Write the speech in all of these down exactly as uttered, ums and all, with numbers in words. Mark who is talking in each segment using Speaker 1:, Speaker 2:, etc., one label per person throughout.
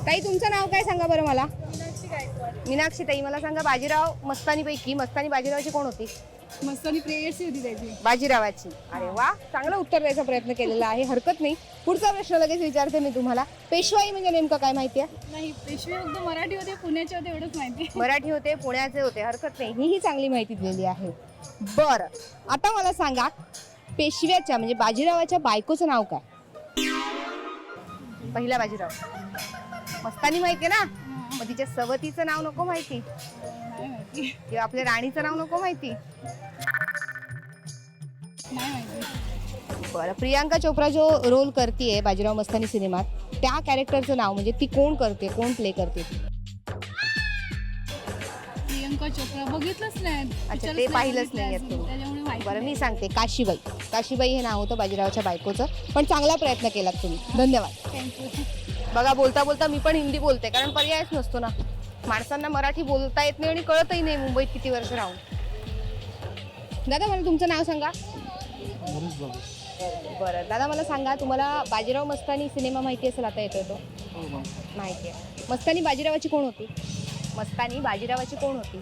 Speaker 1: ताई तुमचं नाव काय सांगा बरं मला? मीनाक्षी ताई, मला सांगा बाजीराव मस्तानी पैकी मस्तानी बाजीरावाची कोण होती?
Speaker 2: मस्तानी प्रेयसी होती त्याची.
Speaker 1: बाजीरावाची. अरे वा, चांगलं उत्तर द्यायचा प्रयत्न केलेला आहे, हरकत नाही. पुढचा प्रश्न लगेच विचारते मी तुम्हाला. पेशवाई म्हणजे नेमकं काय माहिती आहे?
Speaker 2: नाही, पेशवे फक्त मराठी होते, पुण्याचे होते एवढंच माहिती.
Speaker 1: मराठी होते, पुण्याचे होते, हरकत नाही, ही ही चांगली माहिती दिलेली आहे. बरं, आता मला सांगा पेशव्याच्या म्हणजे बाजीरावाच्या बायकोचं नाव काय? पहिला बाजीराव मस्तानी माहितीये ना, मग तिच्या सवतीचं नाव नको माहिती
Speaker 2: नाही माहिती.
Speaker 1: किंवा आपल्या राणीचं नाव नको माहिती?
Speaker 2: नाही माहिती.
Speaker 1: बरं, प्रियांका चोप्रा जो रोल करते बाजीराव मस्तानी सिनेमात, त्या कॅरेक्टरचं नाव म्हणजे ती कोण करते, कोण प्ले करते?
Speaker 2: प्रियंका चोप्रा बघितलंच नाही.
Speaker 1: अच्छा, ते पाहिलंच नाही
Speaker 2: त्याच्यामुळे माहिती.
Speaker 1: बरं, मी सांगते काशीबाई. काशीबाई हे नाव होतं बाजीरावच्या बायकोचं, पण चांगला प्रयत्न केलात तुम्ही, धन्यवाद.
Speaker 2: थँक्यू.
Speaker 1: बघा, बोलता बोलता मी पण हिंदी बोलते, कारण पर्यायच नसतो ना, माणसांना मराठी बोलता येत नाही आणि कळतही नाही मुंबईत किती वर्ष राहून. दादा मला तुमचं नाव सांगा. बरं दादा, मला सांगा तुम्हाला बाजीराव मस्तानी सिनेमा माहिती असेल, आता येतोय तो माहिती आहे. मस्तानी बाजीरावाची कोण होती? मस्तानी बाजीरावाची कोण होती?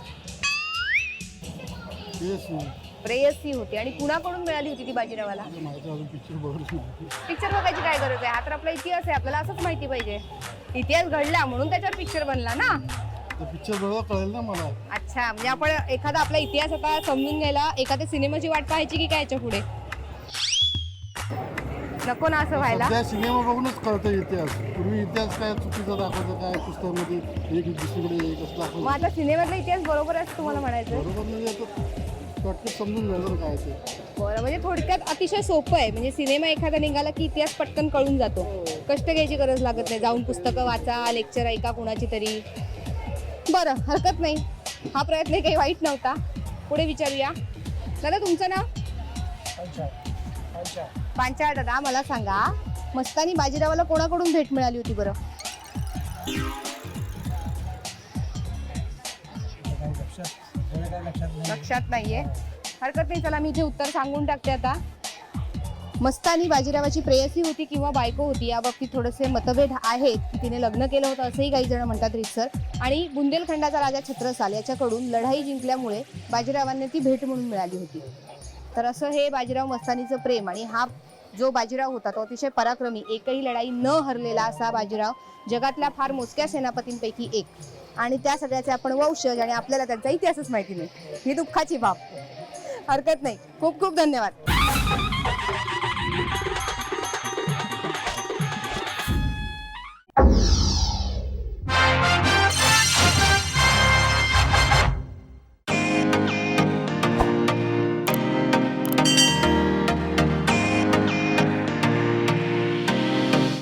Speaker 1: प्रेयसी होती. आणि कुणाकडून मिळाली होती ती बाजीरावाला? पिक्चर बघायची काय गरज आहे, हा तर आपला इतिहास आहे, आपल्याला असंच माहिती पाहिजे. इतिहास घडला म्हणून त्याच्यावर पिक्चर बनला ना.
Speaker 3: पिक्चर बघा कळेल ना मला.
Speaker 1: अच्छा, म्हणजे आपण एखादा आपला इतिहास आता समजून घ्यायला एखाद्या सिनेमाची वाट पाहायची की काय याच्या पुढे? नको ना असं व्हायला.
Speaker 3: त्या सिनेमा बघूनच कळतं इतिहास. पूर्वी इतिहास काय चुकीचा दाखवायचं, काय पुस्तकामध्ये एक दुसरीकडे एक असं दाखवायचं.
Speaker 1: मग आता सिनेमातला इतिहास बरोबर आहे तुम्हाला म्हणायचं?
Speaker 3: बरोबर म्हणजे आता पटकन समजून घ्यायचं काय ते.
Speaker 1: बरं, म्हणजे थोडक्यात अतिशय सोपं आहे, म्हणजे सिनेमा एखादा निघाला की इतिहास पटकन कळून जातो, कष्ट घ्यायची गरज लागत नाही, जाऊन पुस्तकं वाचा, लेक्चर ऐका कुणाची तरी. बरं, हरकत नाही, हा प्रयत्न काही वाईट नव्हता. पुढे विचारूया. दादा तुमचं नाव? पांचाळ. दादा मला सांगा मस्तानी बाजीरावाला कोणाकडून भेट मिळाली होती बरं? लक्षात नाहीये, हरकत नाही, चला मी जे उत्तर सांगून टाकते आता. मस्तानी बाजीरावाची प्रेयसी होती किंवा बायको होती या बाबतीत थोडेसे मतभेद आहेत, की तिने लग्न केलं होतं असंही काही जण म्हणतात रितसर. आणि बुंदेलखंडाचा राजा छत्रसाल याच्याकडून लढाई जिंकल्यामुळे बाजीरावांना ती भेट म्हणून मिळाली होती. तर असं हे बाजीराव मस्तानीचं प्रेम. आणि हा जो बाजीराव होता तो अतिशय पराक्रमी, एकही लढाई न हरलेला असा बाजीराव, जगातल्या फार मोजक्या सेनापतींपैकी एक. आणि त्या सगळ्याचे आपण वंशज आणि आपल्याला त्यांचा इतिहासच माहिती नाही, ही दुःखाची बाब. हरकत नाही, खूप खूप धन्यवाद.